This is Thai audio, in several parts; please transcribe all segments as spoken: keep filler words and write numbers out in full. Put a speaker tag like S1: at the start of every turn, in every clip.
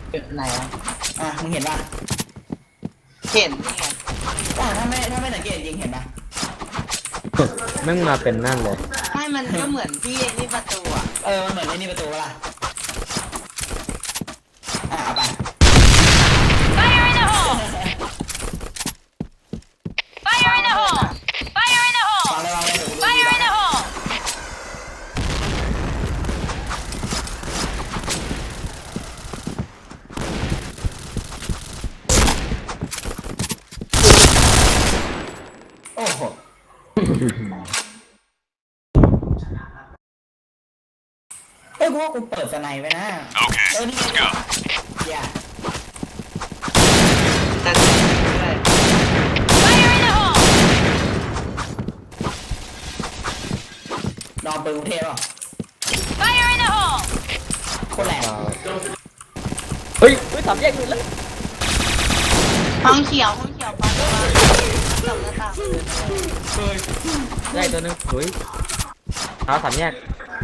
S1: จุดไหนอ่ะ
S2: อ่ะมึงเห็นป่ะ
S1: เห็นนี่ไง
S2: อ่ะถ้าไม่ถ้าไม่สังเกตจริงเห็นป่ะ
S3: แม่งมาเป็นนั่นเลย
S1: ไม่มันก็เหมือนที่นี่ประตูอ่ะ
S2: เออมันเหมือนไอ้นี่ประตูป่ะล่ะอ่ะเอาไป
S4: Fire in the hole! Fire in the hole! Fire in the
S2: วาง
S4: hole!
S2: เลยวางเลยเดี๋ยวกูดู
S4: Fire in the hole!
S2: โอ้โหเอ้ยกูว่ากูเปิดสไนไว้นะเออนี่ไงอย่า
S1: แต่ด้วย
S4: Fire in the hole!
S2: นอนปืนกรุงเทพหรอ
S4: Fire in the hole!
S2: โคตรแรง
S3: เฮ้ยเฮ้ยสามแยกเลยแล้ว
S1: ห้องเขียวห้องเขียวปังปังสองหน้าต่าง
S3: ได้ตัวหนึงเฮ้ยเท้าสามแยก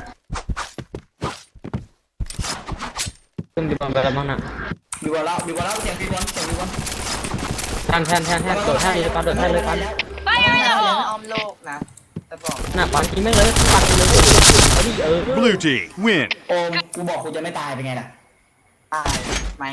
S3: ขึ้นดีบอลไปแล้วมั้งน่ะ
S2: มีบอลแล้วมีบอลแล้วเสียงมีบอลเสียงมีบอล
S3: แทนแทนแทนแทนโดดแทนเลยปันโดดแทนเลยปัน
S4: Fire in the
S1: อ้
S4: hole!
S1: อมโลกนะจะบอก
S3: น่ะปันกินแม่งเลยปันเลยเอาดิเออ
S5: Blue team win.
S2: โอมกูบอกกูจะไม่ตายเป็นไงล่ะ
S1: ตายไหม